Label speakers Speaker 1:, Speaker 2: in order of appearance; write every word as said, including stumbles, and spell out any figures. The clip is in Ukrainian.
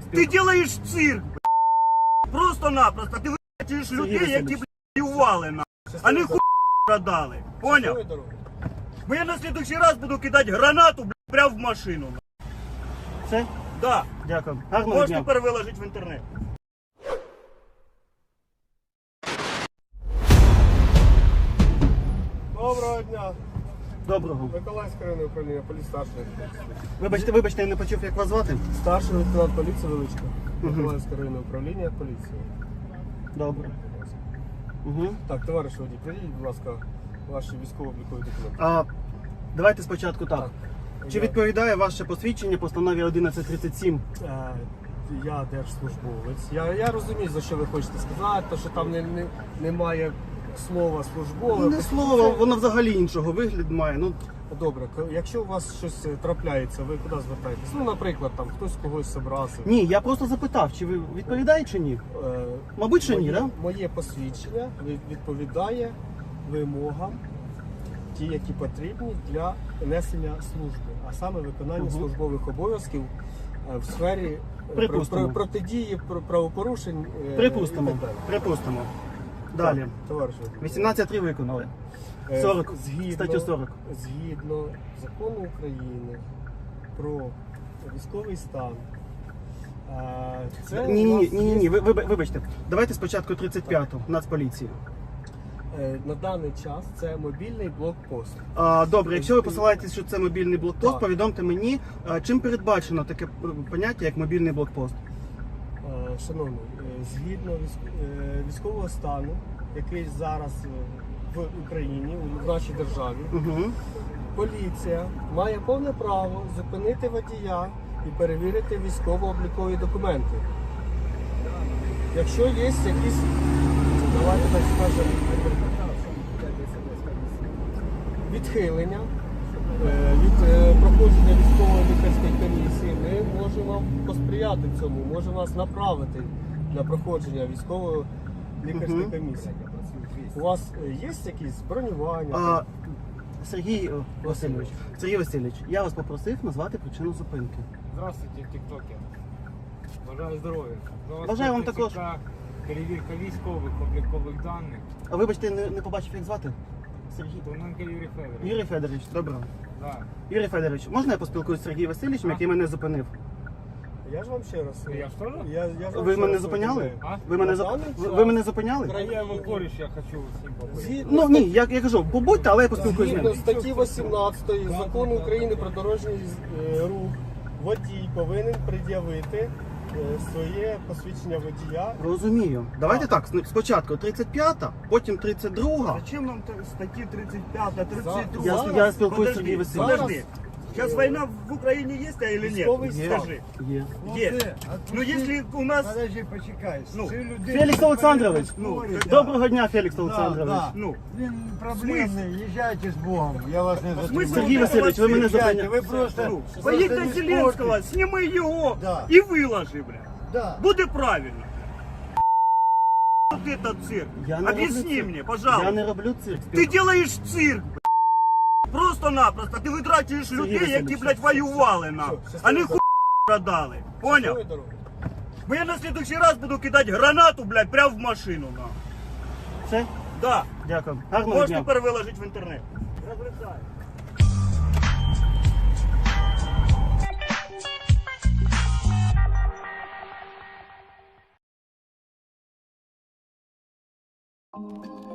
Speaker 1: Ти робиш цирк, блядь. Просто-напросто. Ти вичуєш людей, які, блядь, воювали, на. А не хуй продали. Поняв? Бо я на слідуючий раз буду кидати гранату, блядь, прямо в машину. На.
Speaker 2: Все?
Speaker 1: Да.
Speaker 2: Дякую. Гарного
Speaker 1: Можеш
Speaker 2: дня.
Speaker 1: тепер виложити в інтернет.
Speaker 3: Доброго дня.
Speaker 2: Доброго.
Speaker 3: Миколаївське районне управління поліції старший.
Speaker 2: Вибачте, вибачте, я не почув, як вас звати.
Speaker 3: Старший лейтенант поліції Величко. Миколаївське районне управління поліції.
Speaker 2: Добре. Угу.
Speaker 3: Так, товариш водій, прийдіть, будь ласка, ваші військово-облікові документи.
Speaker 2: А, давайте спочатку так.
Speaker 3: Так.
Speaker 2: Чи
Speaker 3: Я-
Speaker 2: відповідає ваше посвідчення постанові одинадцять тридцять сім?
Speaker 3: Е, Я держслужбовець. Я, я розумію, за що ви хочете сказати, то, що там не, не, немає слова службове.
Speaker 2: Не слово, воно взагалі іншого вигляду має. Ну,
Speaker 3: Добре, к- якщо у вас щось е, трапляється, ви куди звертаєтесь? Ну, наприклад, там хтось когось образив.
Speaker 2: ні, я просто запитав, чи ви відповідаєте чи ні?
Speaker 3: Е,
Speaker 2: Мабуть, що ні,
Speaker 3: моє,
Speaker 2: да?
Speaker 3: Моє посвідчення від- відповідає вимогам, ті, які потрібні для несення служби, а саме виконання
Speaker 2: Мгм. службових
Speaker 3: обов'язків в сфері
Speaker 2: Припустимо.
Speaker 3: протидії правопорушень.
Speaker 2: Припустимо. Припустимо. Далі.
Speaker 3: Товариш,
Speaker 2: вісімнадцять три виконали.
Speaker 3: е,
Speaker 2: сорок.
Speaker 3: згідно,
Speaker 2: Статтю сорок.
Speaker 3: Згідно закону України про військовий стан. е, Це
Speaker 2: Ні,
Speaker 3: у
Speaker 2: ні,
Speaker 3: вас
Speaker 2: ні, ні,
Speaker 3: є-
Speaker 2: ні, ви, ви, вибачте. Давайте спочатку тридцять п'яту, Нацполіції.
Speaker 3: Е, На даний час це мобільний блокпост.
Speaker 2: А, добре, якщо ви посилаєтесь, що це мобільний блокпост,
Speaker 3: Так.
Speaker 2: повідомте мені, а, чим передбачено таке поняття, як мобільний блокпост.
Speaker 3: Е, Шановний, е, згідно військ- е, військового стану, який зараз е, в Україні, в нашій державі,
Speaker 2: Угу.
Speaker 3: поліція має повне право зупинити водія і перевірити військово-облікові документи. Якщо є якісь, давайте так скажемо, відхилення е, від е, проходження військово-лікарської комісії, ми можемо вам посприяти цьому, можемо вас направити на проходження військово-лікарської
Speaker 2: Мгм.
Speaker 3: комісії. У вас е, є якісь бронювання?
Speaker 2: А, Сергій о, Васильович, Сергій Васильович, я вас попросив назвати причину зупинки.
Speaker 4: Здравствуйте, тіктокер. Бажаю здоров'я. До вас
Speaker 2: Бажаю вам
Speaker 4: прийшла
Speaker 2: також.
Speaker 4: перевірка військових облікових даних.
Speaker 2: А вибачте, не, не побачив, як звати? Сергій.
Speaker 4: Тоненко Юрій Федорович.
Speaker 2: Юрій Федорович, добре.
Speaker 4: Да.
Speaker 2: Юрій Федорович, можна я поспілкуюсь з Сергієм Васильовичем,
Speaker 4: А?
Speaker 2: який мене зупинив?
Speaker 3: Я ж вам ще раз.
Speaker 4: Я ж теж?
Speaker 3: Я, я ж вам
Speaker 2: Ви
Speaker 3: ще
Speaker 2: мене
Speaker 3: раз
Speaker 2: зупиняли?
Speaker 3: повідомляю.
Speaker 4: А?
Speaker 2: Ви мене,
Speaker 3: На
Speaker 2: зап...
Speaker 3: даний
Speaker 2: ви,
Speaker 3: час
Speaker 2: ви мене зупиняли?
Speaker 3: Україна-
Speaker 4: Я його коріш, я хочу з ним поговорити.
Speaker 3: Згідно
Speaker 2: Ну ні, я, я кажу, побудьте, але я поспілкуюсь з
Speaker 3: Згідно
Speaker 2: ним.
Speaker 3: статті вісімнадцятої Закону України про дорожній е, рух, водій повинен пред'явити е, своє посвідчення водія.
Speaker 2: Розумію. Давайте так, спочатку тридцять п'ята, потім тридцять друга.
Speaker 1: Зачем нам т- статті тридцять п'ята, тридцять друга?
Speaker 2: Я, я спілкуюсь з
Speaker 1: Подожди,
Speaker 2: Сергієм Васильовичем.
Speaker 1: подожди. Сейчас война в Украине есть, а или
Speaker 3: Військовий
Speaker 1: нет?
Speaker 3: стан.
Speaker 1: Скажи.
Speaker 2: Є.
Speaker 1: Есть. Ну если у нас...
Speaker 5: Подожди, почекай.
Speaker 1: Ну,
Speaker 5: Це людина
Speaker 2: Фелікс Олександрович,
Speaker 1: Ну,
Speaker 5: да.
Speaker 2: доброго дня, Фелікс
Speaker 5: Да,
Speaker 2: Олександрович.
Speaker 5: да.
Speaker 1: Ну,
Speaker 5: Він проблемний, їжджайте з Богом, я вас не затримую.
Speaker 2: Сергій Васильович, ви мене
Speaker 5: Їжджайте,
Speaker 2: зупиняєте.
Speaker 5: ви просто...
Speaker 1: ну,
Speaker 5: просто
Speaker 1: поїдь
Speaker 5: не
Speaker 1: до Зеленского,
Speaker 5: спорте.
Speaker 1: сніми його
Speaker 5: Да.
Speaker 1: і виложи, бля.
Speaker 5: Да.
Speaker 1: Буде правильно. Вот этот цирк.
Speaker 2: Я не роблю
Speaker 1: Объясни
Speaker 2: цирк.
Speaker 1: мне,
Speaker 2: Я
Speaker 1: пожалуйста.
Speaker 2: не роблю цирк.
Speaker 1: Ты делаешь цирк, бля. Просто-напросто. Ти витрачуєш людей, які,
Speaker 2: Васильович,
Speaker 1: блядь, воювали нам.
Speaker 3: Все,
Speaker 1: А не
Speaker 3: все,
Speaker 1: хуй продали. Понял?
Speaker 3: Щасливої дороги.
Speaker 1: Бо я на следующий раз буду кидати гранату, блядь, прямо в машину нам.
Speaker 2: Все?
Speaker 1: Да.
Speaker 2: Дякую. Гарного
Speaker 1: Можеш
Speaker 2: дня.
Speaker 1: тепер виложити в інтернет. Розрицаю.
Speaker 6: Thank you.